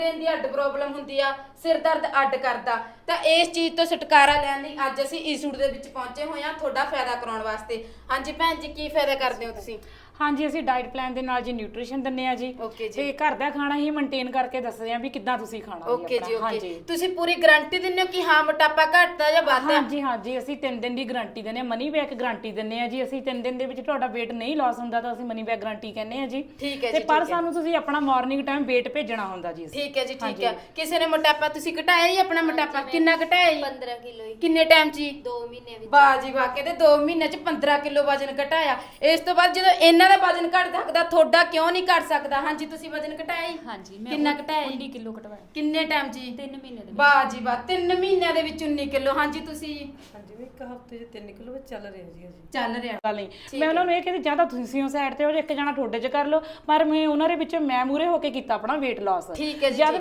ਦੀ ਅੱਡ ਪ੍ਰੋਬਲਮ ਹੁੰਦੀ ਆ, ਸਿਰ ਦਰਦ ਅੱਡ ਕਰਦਾ। ਤਾਂ ਇਸ ਚੀਜ਼ ਤੋਂ ਛੁਟਕਾਰਾ ਲੈਣ ਲਈ ਅੱਜ ਅਸੀਂ ਈਸੂਟ ਦੇ ਵਿੱਚ ਪਹੁੰਚੇ ਹੋਏ ਆ ਤੁਹਾਡਾ ਫਾਇਦਾ ਕਰਾਉਣ ਵਾਸਤੇ। ਹਾਂਜੀ ਭੈਣ ਜੀ, ਕੀ ਫਾਇਦਾ ਕਰਦੇ ਹੋ ਤੁਸੀਂ? ਹਾਂਜੀ, ਅਸੀਂ ਡਾਈਟ ਪਲਾਨ ਦੇ ਨਾਲ ਜੀ ਨਿਊਟ੍ਰੀਸ਼ਨ ਦਿੰਨੇ ਆ ਜੀ। ਓਕੇ ਜੀ। ਤੇ ਘਰ ਦਾ ਖਾਣਾ ਹੀ ਮੇਨਟੇਨ ਕਰਕੇ ਦੱਸਦੇ ਆ ਵੀ ਕਿੱਦਾਂ ਤੁਸੀਂ ਖਾਣਾ ਜੀ। ਓਕੇ ਜੀ, ਹਾਂਜੀ ਓਕੇ। ਤੁਸੀਂ ਪੂਰੀ ਗਾਰੰਟੀ ਦਿੰਦੇ ਹੋ ਕਿ ਹਾਂ ਮੋਟਾਪਾ ਘਟਦਾ ਜਾਂ ਵੱਧਦਾ? ਹਾਂਜੀ ਹਾਂਜੀ, ਅਸੀਂ 3 ਦਿਨ ਦੀ ਗਾਰੰਟੀ ਦਿੰਨੇ ਆ, ਮਨੀ ਬੈਕ ਗਾਰੰਟੀ ਦਿੰਨੇ ਆ ਜੀ। ਅਸੀਂ 3 ਦਿਨ ਦੇ ਵਿੱਚ ਤੁਹਾਡਾ weight ਨਹੀਂ ਲਾਸ ਹੁੰਦਾ ਤਾਂ ਅਸੀਂ ਮਨੀ ਬੈਕ ਗਾਰੰਟੀ ਕਹਿੰਦੇ ਆ ਜੀ। ਠੀਕ ਹੈ ਤੇ ਜੀ। ਪਰ ਸਾਨੂੰ ਤੁਸੀਂ ਆਪਣਾ ਮਾਰਨਿੰਗ ਟਾਈਮ weight ਭੇਜਣਾ ਹੁੰਦਾ ਜੀ। ਠੀਕ ਹੈ ਜੀ, ਠੀਕ ਹੈ। ਕਿਸੇ ਨੇ ਮੋਟਾਪਾ ਤੁਸੀਂ ਘਟਾਇਆ ਜੀ? ਆਪਣਾ ਮੋਟਾਪਾ ਕਿੰਨਾ ਘਟਾਇਆ ਜੀ? 15 ਕਿਲੋ ਹੀ। ਕਿੰਨੇ ਟਾਈਮ 'ਚ ਜੀ? 2 ਮਹੀਨੇ ਵਿੱਚ। ਵਾਹ ਜੀ ਵਾਹ, ਕਹਿੰਦੇ 2 ਮਹੀਨਿਆਂ 'ਚ 15 ਕਿਲੋ ਵਜਨ ਘਟਾਇਆ। ਇਸ ਤੋਂ ਬਾਅਦ ਜਦੋਂ ਇਹਨਾਂ ਦਾ ਵਜਨ ਘਟ ਸਕਦਾ ਤੁਹਾਡਾ ਕਿਉਂ ਨਹੀਂ ਘਟ ਸਕਦਾ? ਹਾਂਜੀ, ਤੁਸੀਂ ਵਜਨ ਘਟਾਇਆ ਜੀ? ਹਾਂਜੀ, ਮੈਂ ਕਿੰਨਾ ਘਟਾਇਆ ਜੀ? 19 ਕਿਲੋ ਘਟਵਾਇਆ। ਕਿੰਨੇ ਟਾਈਮ 'ਚ ਜੀ? 3 ਮਹੀਨੇ ਦੇ। ਵਾਹ ਜੀ ਵਾਹ, 3 ਮਹੀਨਿਆਂ ਦੇ ਵਿੱਚ 19 ਕਿਲੋ। ਹਾਂਜੀ, ਤੁਸੀਂ ਜੀ? ਹਾਂਜੀ ਵੀ ਇੱਕ ਹਫ਼ਤੇ 'ਚ 3 ਕਿਲੋ ਵਿੱਚ ਚੱਲ ਰਿਹਾ ਜੀ ਅਜੀ। ਚੱਲ ਰਿਹਾ ਗੱਲ ਨਹੀਂ, ਮੈਂ ਉਹਨਾਂ ਨੂੰ ਇਹ ਕਹਿੰਦੀ ਜਾਂ ਤਾਂ ਤੁਸੀਂ ਸਾਈਡ ਤੇ ਹੋ, ਇੱਕ ਜਣਾ ਤੁਹਾਡੇ 'ਚ ਕਰ ਲਓ, ਪਰ ਮੈਂ ਉਹਨਾਂ ਦੇ ਵਿੱਚ ਮੈਂ ਮੂਰੇ ਹੋ ਕੇ ਕੀਤਾ ਆਪਣਾ weight loss। ਠੀਕ ਹੈ ਜੀ।